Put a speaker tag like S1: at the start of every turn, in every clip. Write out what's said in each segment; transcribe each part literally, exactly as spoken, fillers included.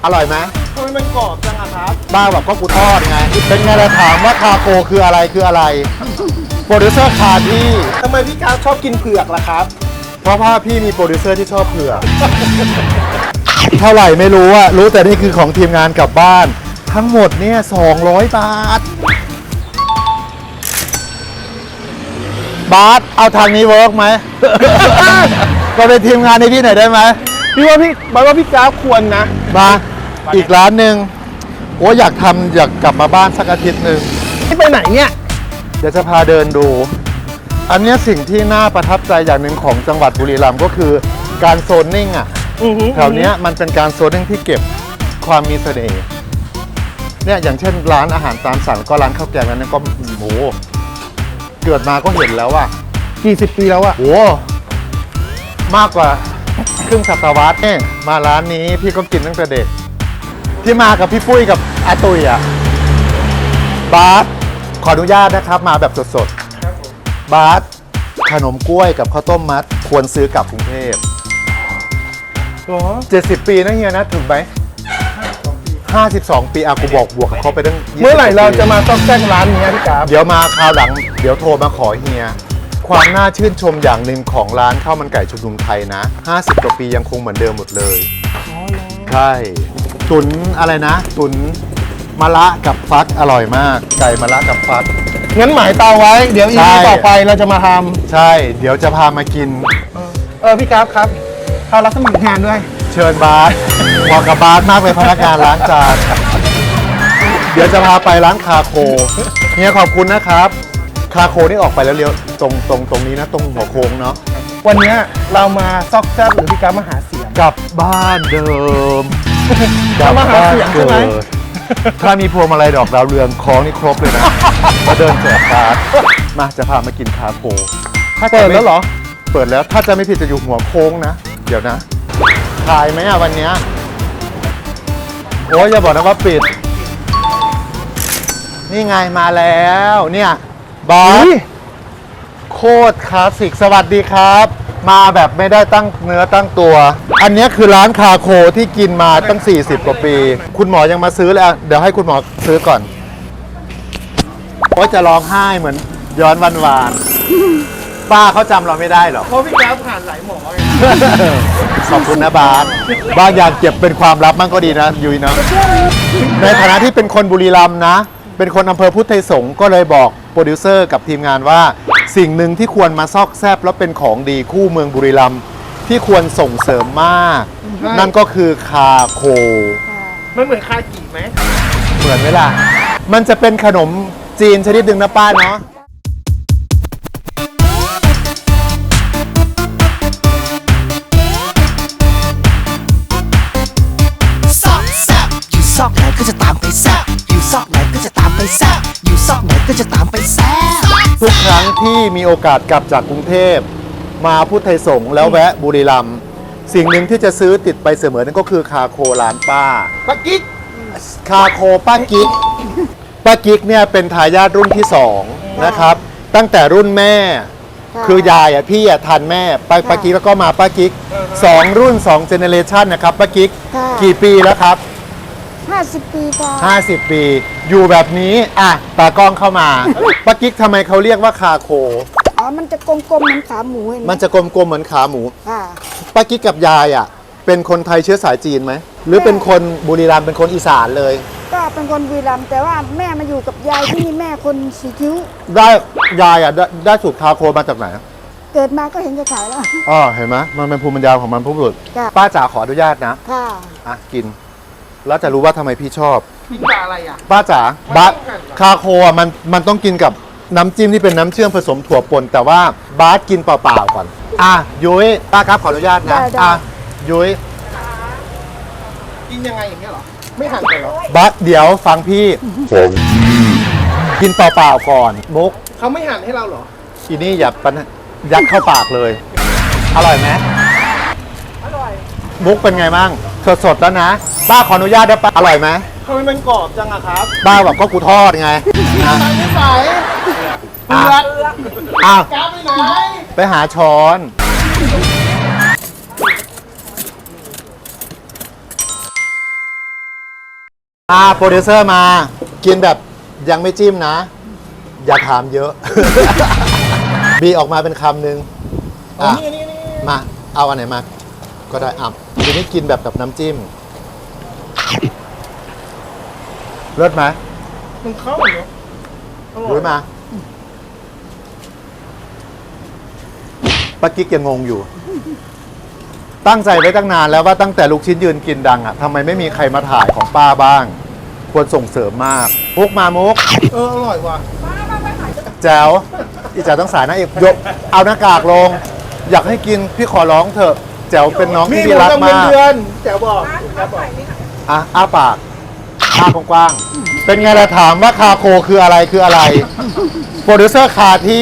S1: อร่อยไหม
S2: ทำไมมันกรอบจังอะครับ
S1: บ้าแบบก็กูทอดไงเป็นไงล่ะถามว่าคาโคคืออะไรคืออะไรโปรดิวเซอร์คาที่
S2: ทำไมพี่กราฟชอบกินเผือกล่ะครับ
S1: เพราะว่าพี่มีโปรดิวเซอร์ที่ชอบเผือกเท่าไหร่ไม่รู้อะรู้แต่นี่คือของทีมงานกลับบ้านทั้งหมดเนี่ยสองร้อยบาทบาสเอาทางนี้เวิร์กไหม ก็เป็นทีมงานในพี่หน่อยได้ไหม
S2: พี่ว่าพี่บอกว่าพี่กราฟควรนะ
S1: มาอีกร้านหนึ่งโอ้อยากทำอยากกลับมาบ้านสักอาทิตย์หนึ่ง
S2: ไม่ไปไหนเนี่ย
S1: เดี๋ยวจะพาเดินดู อันนี้สิ่งที่น่าประทับใจอย่างหนึ่งของจังหวัดบุรีรัมย์ก็คือการโซนนิ่งอ่ะแถวนี้มันเป็นการโซนนิ่งที่เก็บความมีเสน่ห์เนี่ยอย่างเช่นร้านอาหารตามสั่งก็ร้านข้าวแกงนั้นก็โหเกิดมาก็เห็นแล้วอ่ะ
S2: กี่สิบปีแล้วอะ
S1: โหมากกว่าครึ่งศตวรรษเนี่ยมาร้านนี้พี่ก็กินตั้งแต่เด็กที่มากับพี่ปุ้ยกับอาตุยอ่ะบาสขออนุญาตนะครับมาแบบสดๆบาสขนมกล้วยกับข้าวต้มมัดควรซื้อกลับกรุงเทพเจ็ดสิบปีนะเฮียนะถึงไหมห้าสิบสองปีอากูบอกบวกกับเขาไปตั้ง
S2: เมื่อไหร่เราจะมาต้องแจ้งร้านนี้พี่กราฟ
S1: เดี๋ยวมาคราวหลังเดี๋ยวโทรมาขอเฮียความน่าชื่นชมอย่างหนึ่งของร้านข้าวมันไก่ชุมนุมไทยนะห้าสิบกว่าปียังคงเหมือนเดิมหมดเลยใช่ตุ๋นอะไรนะตุ๋นมะระกับฟักอร่อยมากไก่มะระกับฟัก
S2: งั้นหมายเตาไว้เดี๋ยวอีพีต่อไปเราจะมาท
S1: ำใช่เดี๋ยวจะพามากิน
S2: เออพี่กราฟครับเขารับสมัครงานด้วย
S1: เชิญบาสเหมาะกับบาสมากเลยพนักงานล้างจานเดี๋ยวจะพาไปร้านคาโคเฮียขอบคุณนะครับคาโคนี่ออกไปแล้วเลี้ยวตรงตรงตรงนี้นะตรงหัวโค้งเนาะ
S2: วันนี้เรามาซอกแซบหรือพี่กราฟมาหาเสียง
S1: กลับบ้านเดิม
S2: กลับมาหาเสียงใช่ไหม
S1: ถ้ามีพวงมาลัยดอกดาวเรืองคล้องนี่ครบเลยนะมาเดินแจกการ์ดมาจะพามากินคาโค
S2: เปิดแล้วเหรอ
S1: เปิดแล้วถ้าจะไม่ผิดจะอยู่หัวโค้งนะเดี๋ยวนะขายไหมอะวันนี้โอ้ยอย่าบอกนะว่าปิดนี่ไงมาแล้วเนี่ยบอสโคตรคลาสสิกสวัสดีครับมาแบบไม่ได้ตั้งเนื้อตั้งตัวอันนี้คือร้านคาโคที่กินมาตั้งสี่สิบกว่าปีคุณหมอยังมาซื้อเลยเดี๋ยวให้คุณหมอซื้อก่อนโอ้ยจะร้องไห้เหมือนย้อนวันวานป้าเขาจำเราไม่ได้หรอ
S2: เพราะพี่กราฟผ่านหลายหมอ
S1: ขอบคุณนะบาสบางอย่างเก็บเป็นความลับมั่งก็ดีนะยุ้ยนะในฐานะที่เป็นคนบุรีรัมย์นะเป็นคนอำเภอพุทธไทยสงฆ์ก็เลยบอกโปรดิวเซอร์กับทีมงานว่าสิ่งหนึ่งที่ควรมาซอกแซบแล้วเป็นของดีคู่เมืองบุรีรัมย์ที่ควรส่งเสริมมากนั่นก็คือคาโค
S2: มันเหมือนคากิไหม
S1: เหมือนไหมล่ะมันจะเป็นขนมจีนชนิดหนึ่งนะป้าเนาะ
S3: ซอกไหนก็จะตามไปแซ่บอยู่ซอกไหนก็จะตามไปแซ่บอยู่ซอกไหนก็จะตามไปแซ่บ
S1: ทุกครั้งที่มีโอกาสกลับจากกรุงเทพมาพุทธไทยสงฆ์แล้วแวะบุรีรัมย์สิ่งหนึ่งที่จะซื้อติดไปเสมอนั่นก็คือคาโคร้านป้า
S2: ป้ากิ๊ก
S1: คาโคป้ากิ๊กป้ากิ๊กเนี่ยเป็นทายาทรุ่นที่สองนะครับตั้งแต่รุ่นแม่คือยายอ่ะพี่อ่ะทันแม่ป้าป้ากิ๊กแล้วก็มาป้ากิ๊กสองรุ่นสองเจเนเรชันนะครับป้ากิ๊กกี่ปีแล้วครับ
S4: ห้าสิบปีจ้ะ
S1: ห้าสิบปีอยู่แบบนี้อ่ะตากล้องเข้ามาป้ากิ๊กทำไมเขาเรียกว่าคาโค
S4: อ๋อมันจะกลมๆเหมือนขาหมูเห็นไหม
S1: มันจะกลมๆเหมือนขาหมู
S4: ค่ะ
S1: ป้ากิ๊กกับยายอ่ะเป็นคนไทยเชื้อสายจีนไหมหรือเป็นคนบุรีรัมย์เป็นคนอีสานเลย
S4: ก็เป็นคนบุรีรัมย์แต่ว่าแม่มาอยู่กับยายที่นี่แม่คนสีคิ้ว
S1: ได้ยายอ่ะได้ได้สูตรคาโคมาจากไหน
S4: เกิดมาก็เห็นจะขายแล้ว
S1: อ๋อเห็นไหมมันเป็นภูมิปัญญาของมันผู้บุรุษป้าจ๋าขออนุญาตนะ
S4: ค่ะ
S1: อ่ะกินแล้วจะรู้ว่าทำไมพี่ชอบ
S2: กินกับอะไรอ่ะ
S1: ป้าจ๋าบาสคาโคอ่ะมันมันต้องกินกับน้ำจิ้มที่เป็นน้ำเชื่อมผสมถั่วป่นแต่ว่าบาสกินเปล่าๆก่อนอ่ะยุ้ยป้าครับขออนุญาตนะอ่ะยุ้ย
S2: กินยังไงอย่างเงี้ยหรอไม่หั่นกันหรอบ
S1: าสเดี๋ยวฟังพี่ผมกินเปล่าๆก่อนมุก
S2: เขาไม่หั่นให้เราหรอ
S1: อีนี่อย่าปันยัดเข้าปากเลยอร่อยไหม
S2: อร่อย
S1: มุกเป็นไงบ้างสดๆแล้วนะป้าขออนุญาตได้ป้าอร่อยไหม
S2: ทำไมมันกรอบจังอะครับ
S1: ป้าแบบก็กูทอดไง
S2: ไม่ใส่เปลือก
S1: อ้าว
S2: กาไปไหน
S1: ไปหาช้อนอ่าโปรดิวเซอร์มากินแบบยังไม่จิ้มนะ อย่าถามเยอะ บีออกมาเป็นคำหนึ่งอ่ะมาเอาอันไหนมา ก็ได้อ่ะทีนี้กินแบบกับน้ำจิ้มเลิศไหม
S2: มันเข้าเนาะอร่อ
S1: รู้
S2: ย
S1: มาป้ากิ๊กยังงงอยู่ ตั้งใจไว้ตั้งนานแล้วว่าตั้งแต่ลูกชิ้นยืนกินดังอ่ะทำไมไม่มีใครมาถ่ายของป้าบ้าง ควรส่งเสริมมากมุกมามุก
S2: เอออร่อยว่ะ
S1: แจ๋วอีแจ๋วต้องสายนะเอกยกเอาหน้ากากลง อยากให้กินพี่ขอร้องเถอะแจ๋วเป็นน้อง
S2: มี
S1: ที่
S2: ห
S1: ดี
S2: มู
S1: รัก
S2: ดำเงิน
S1: มาก
S2: เดือนแจ๋วบอกแจ๋วบอก
S1: อ่ะอ้าปากอ้ากว้างๆเป็นไงล่ะถามว่าคาโคคืออะไรคืออะไร โปรดิวเซอร์คาที่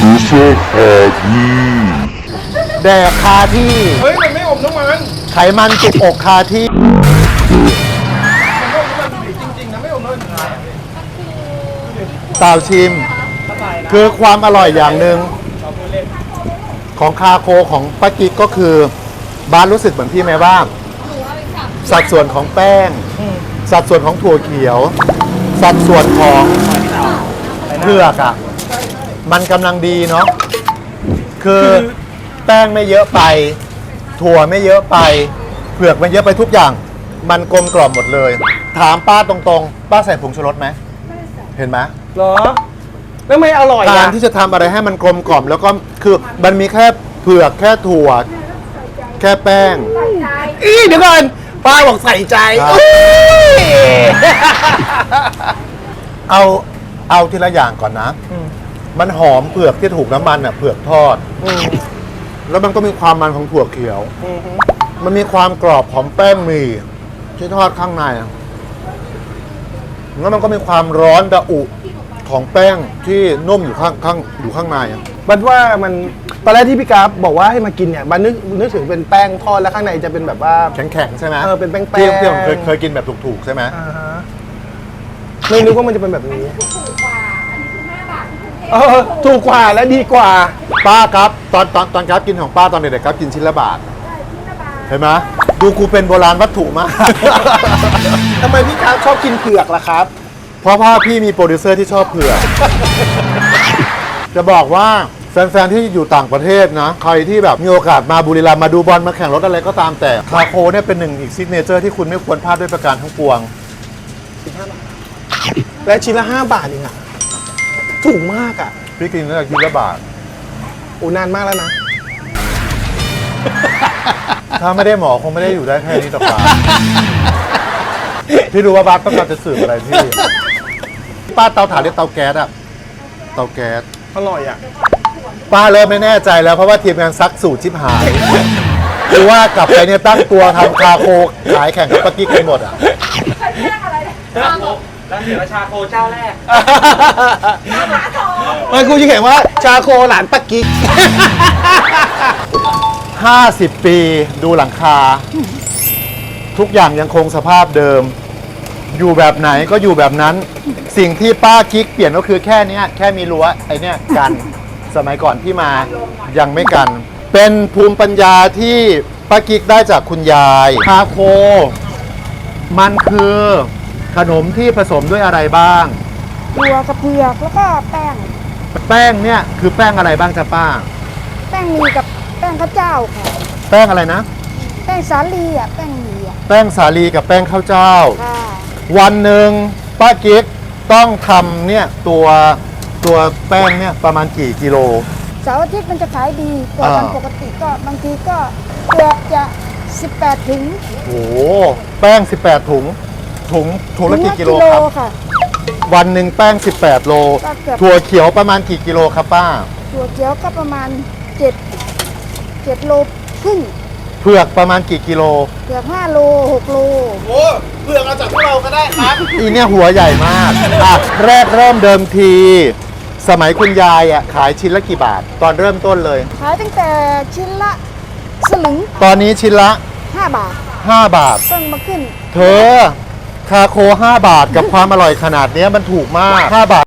S1: แดกคาที่
S2: เฮ้ย มันไม่อมน้ำมัน
S1: ไขมันติดอกคาที่
S2: มันไม่อมน้ำมันจริงๆนะไม่อมน้ำมัน
S1: เต่าชิม คือความอร่อยอย่างหนึ่งของคาโคของป้ากิ๊กก็คือบ้านรู้สึกเหมือนพี่ไหมว่าสัดส่วนของแป้ง สัดส่วนของถั่วเขียว สัดส่วนของเผือกอ่ะมันกำลังดีเนาะคือแป้งไม่เยอะไป ถั่วไม่เยอะไป เผือกไม่เยอะไปทุกอย่าง มันกลมกล่อมหมดเลย ถามป้าตรงๆ ป้าใส่ผงชูรสไหมเห็นไหม
S2: เหรอ แล้วไม่อร่อย
S1: การ
S2: อ่ะ
S1: ที่จะทำอะไรให้มันกลมกล่อมแล้วก็คือมันมีแค่เผือกแค่ถั่ว แค่แป้ง
S2: อีเดี๋ยวก่อนป้าบอกใส่ใจ
S1: ครับ
S2: อุ๊ย
S1: เอาเอาทีละอย่างก่อนนะ มันหอมเผือกที่ถูกน้ำมันอ่ะเผือกทอด แล้วมันก็มีความมันของถั่วเขียว มันมีความกรอบของแป้งหมี่ที่ทอดข้างในอะแล้วมันก็มีความร้อนระอุของแป้งที่นุ่มอยู่ข้างข้างอยู่ข้างในอะ
S2: บันว่ามันตอนแรกที่พี่กราฟบอกว่าให้มากินเนี่ยบันนึกนึกถึงเป็นแป้งทอดแล้วข้างในจะเป็นแบบว่า
S1: แข็งๆใช่ไหม
S2: เออเป็นแป้งๆ
S1: ที่ที่ผมเคยเคยกินแบบถูกๆใช่ไหม
S2: อ่าฮะไม่นึกว่ามันจะเป็นแบบนี้เออถูกกว่าและดีกว่า
S1: ป้าครับตอนตอนตอนครับกินของป้าตอนเด็กๆครับกินชิ้นละบาทเห็นไหมดูกูเป็นโบราณวัตถุมาก
S2: ทำไมพี่กราฟชอบกินเผือกล่ะครับ
S1: เพราะว่าพี่มีโปรดิวเซอร์ที่ชอบเผือก จะบอกว่าแฟนๆที่อยู่ต่างประเทศนะ ใครที่แบบมีโอกาสมาบุรีรัมย์มาดูบอลมาแข่งรถอะไรก็ตามแต่คาโคเนี่ยเป็นหนึ่งอีกซิกเนเจอร์ที่คุณไม่ควรพลาดด้วยประการทั้งปวง
S2: และชิ้นละห้าบาทเองอ่ะถูกมากอ่ะ
S1: พี่กินตั้งแต่ชิ้นละบาท
S2: โอ้นานมากแล้วนะ
S1: ถ้าไม่ได้หมอคงไม่ได้อยู่ได้แค่นี้ต่อไปพี่รู้ว่าบัสต้องการจะสื่ออะไรพี่ป้าเตาถ่านหรือเตาแก๊สอะเตาแก๊ส
S2: อร่อยอ่ะ
S1: ป้าเริ่มไม่แน่ใจแล้วเพราะว่าทีมงานซักสูตรชิบหายหรือว่ากลับไปเนี่ยตั้งตัวทำคาโคขายแข่งกับป้ากิ๊กกันหมดอะ
S5: แล้วเดี๋ยวชาโคเจ้าแรก
S2: มันกูจะเขียนว่าชาโคหลานปักกิ๊ก
S1: ห้าสิบปีดูหลังคา ทุกอย่างยังคงสภาพเดิม อยู่แบบไหนก็อยู่แบบนั้น สิ่งที่ป้ากิ๊กเปลี่ยนก็คือแค่เนี้ยแค่มีรั้วไอเนี้ยกัน สมัยก่อนที่มายังไม่กัน เป็นภูมิปัญญาที่ป้ากิ๊กได้จากคุณยายคาโค มันคือขนมที่ผสมด้วยอะไรบ้าง
S4: ถั่วกับเผือกแล้วก็แป้ง
S1: แป้งเนี่ยคือแป้งอะไรบ้างจ๊ะป้า
S4: แป้งหมีกับแป้งข้าวเจ้าค่ะ
S1: แป้งอะไรนะ
S4: แป้งสาลีอ่ะแป้งหมีอ่ะ
S1: แป้งสาลีกับแป้งข้าวเจ้า
S4: ค่ะ
S1: วันหนึ่งป้ากิ๊กต้องทำเนี่ยตัวตัวแป้งเนี่ยประมาณกี่กิโล
S4: เสาร์อาทิตย์มันจะขายดีกว่า
S1: อ่า
S4: วันปกติก็บางทีก็เกือบจะสิบแปดถึง
S1: โอ้โหแป้ง สิบแปด ถุง ถุงถุงละกี่กิโลครับ
S4: ค่ะ
S1: วันหนึ่งแป้ง สิบแปด โล
S4: ก็เกือบ
S1: ถั่วเขียวประมาณกี่กิโลครับป้า
S4: ถั่วเขียวก็ประมาณเจ็ดเจ็ดโลครึ่ง
S1: เผือกประมาณกี่กิโล
S4: เกือบห้าโลหกโล
S2: โอ้เผือกเอาจากพวกเราก็ได้ครับ
S1: อีเนี่ยหัวใหญ่มากอ่ะแรกเริ่มเดิมที สมัยคุณยายอ่ะขายชิ้นละกี่บาท ตอนเริ่มต้นเลย
S4: ขายตั้งแต่ชิ้นละสลึง
S1: ตอนนี้ชิ้นละ
S4: ห้าบาท
S1: ห้าบาท
S4: เพิ่งมาขึ้น
S1: เธอ คาโค ห้า บาทกับความอร่อยขนาดเนี้ยมันถูกมาก ห้า บาท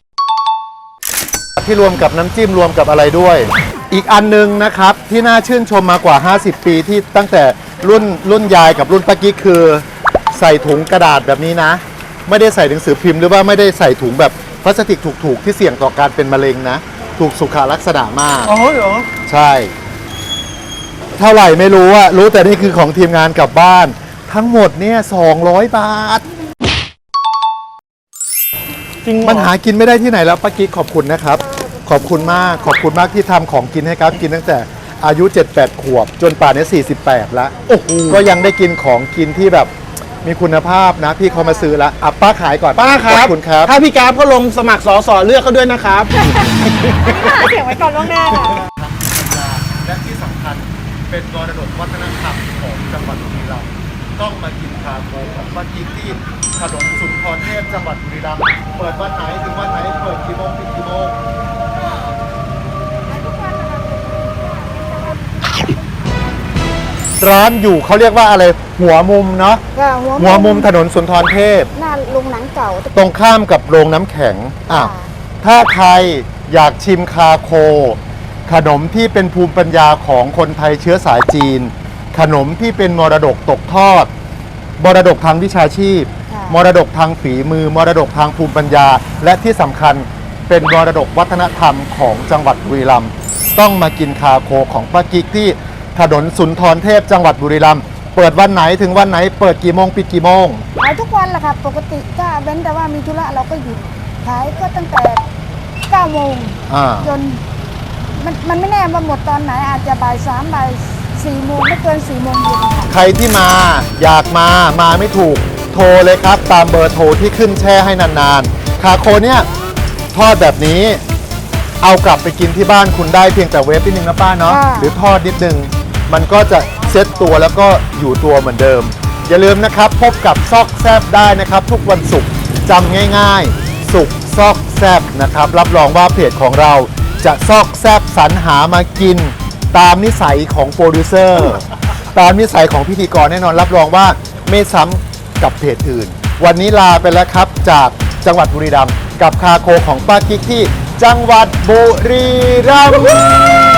S1: ที่รวมกับน้ำจิ้มรวมกับอะไรด้วย อีกอันนึงนะครับ ที่น่าชื่นชมมากว่า ห้าสิบ ปีที่ตั้งแต่รุ่นรุ่นยายกับรุ่นป้ากิ๊กคือใส่ถุงกระดาษแบบนี้นะ ไม่ได้ใส่หนังสือพิมพ์หรือว่าไม่ได้ใส่ถุงแบบพลาสติกถูกๆที่เสี่ยงต่อการเป็นมะเร็งนะ ถูกสุขลักษณะมาก
S2: อ๋อเหรอ
S1: ใช่ เท่าไหร่ไม่รู้อะรู้แต่นี่คือของทีมงานกลับบ้าน ทั้งหมดเนี่ยสองร้อยบาท
S2: จริงเหรอ
S1: มันหากินไม่ได้ที่ไหนแล้วป้ากิ๊กขอบคุณนะครับ ขอบคุณมากขอบคุณมากที่ทำของกินให้ครับกินตั้งแต่อายุ เจ็ดแปด ขวบ จนป่านนี้สี่สิบแปดแล้ว
S2: โอ้โห
S1: ก็ยังได้กินของกินที่แบบมีคุณภาพนะ พี่เขามาซื้อแล้วอ่ะป้าขายก่อน
S2: ป้าครั
S1: ข
S2: บ
S1: อบคุณครับ
S2: ถ้าพี่กราฟเขาลงสมัครสอสอเลือกเขาด้วยนะครับ
S4: เสียงไว้ก่อนล่วงหน้าค่ะ
S1: และที่สำคัญเป็นมรดกวัฒนธรรมของจังหวัดบุรีรัมย์ต้องมากินคาโคของป้ากิ๊กที่ถนนสุนทรเทพจังหวัดบุรีรัมย์เปิดวันไหนถึงวันไหนเปิดกี่โมงปิดกี่โมงร้านอยู่เขาเรียกว่าอะไรหัวมุมเนาะ
S4: ก็
S1: หัวมุมถนนสุนทรเทพ
S4: หน้าโรงหนังเก่า
S1: ตรงข้ามกับโรงน้ำแข็งอ่ะ
S4: ค่ะ
S1: ถ้าใครอยากชิมคาโค ขนมที่เป็นภูมิปัญญาของคนไทยเชื้อสายจีน ขนมที่เป็นมรดกตกทอด มรดกทางวิชาชีพ
S4: ค่ะ
S1: มรดกทางฝีมือ มรดกทางภูมิปัญญา และที่สำคัญเป็นมรดกวัฒนธรรมของจังหวัดบุรีรัมย์ต้องมากินคาโคของป้ากิ๊กที่ถนนสุนทรเทพจังหวัดบุรีรัมย์เปิดวันไหนถึงวันไหนเปิดกี่โมงปิดกี่โมง
S4: ขายทุกวันแหละค่ะ ปกติก็เว้นแต่ว่ามีธุระเราก็หยุดขายก็ตั้งแต่เก้าโมง
S1: อ่า
S4: จนมันมันไม่แน่ว่าหมดตอนไหนอาจจะบ่ายสามบ่ายสี่โมงไม่เกินสี่โมงเย็นค่ะ
S1: ใครที่มาอยากมามาไม่ถูกโทรเลยครับ ตามเบอร์โทรที่ขึ้นแช่ให้นานๆ คาโคเนี่ยทอดแบบนี้ เอากลับไปกินที่บ้านคุณได้เพียงแต่เวฟนิดนึงนะป้าเนาะ
S4: ค่ะ
S1: หรือทอดนิดนึง มันก็จะเซ็ตตัวแล้วก็อยู่ตัวเหมือนเดิม อย่าลืมนะครับ พบกับซอกแซบได้นะครับ ทุกวันศุกร์จำง่ายๆ ศุกร์ซอกแซบนะครับ รับรองว่าเพจของเราจะซอกแซบสรรหามากิน ตามนิสัยของโปรดิวเซอร์ ตามนิสัยของพิธีกรแน่นอนรับรองว่าไม่ซ้ำกับเพจอื่น วันนี้ลาไปแล้วครับจากจังหวัดบุรีรัมย์กับคาโคของป้ากิ๊กที่จังหวัดบุรีรัมย์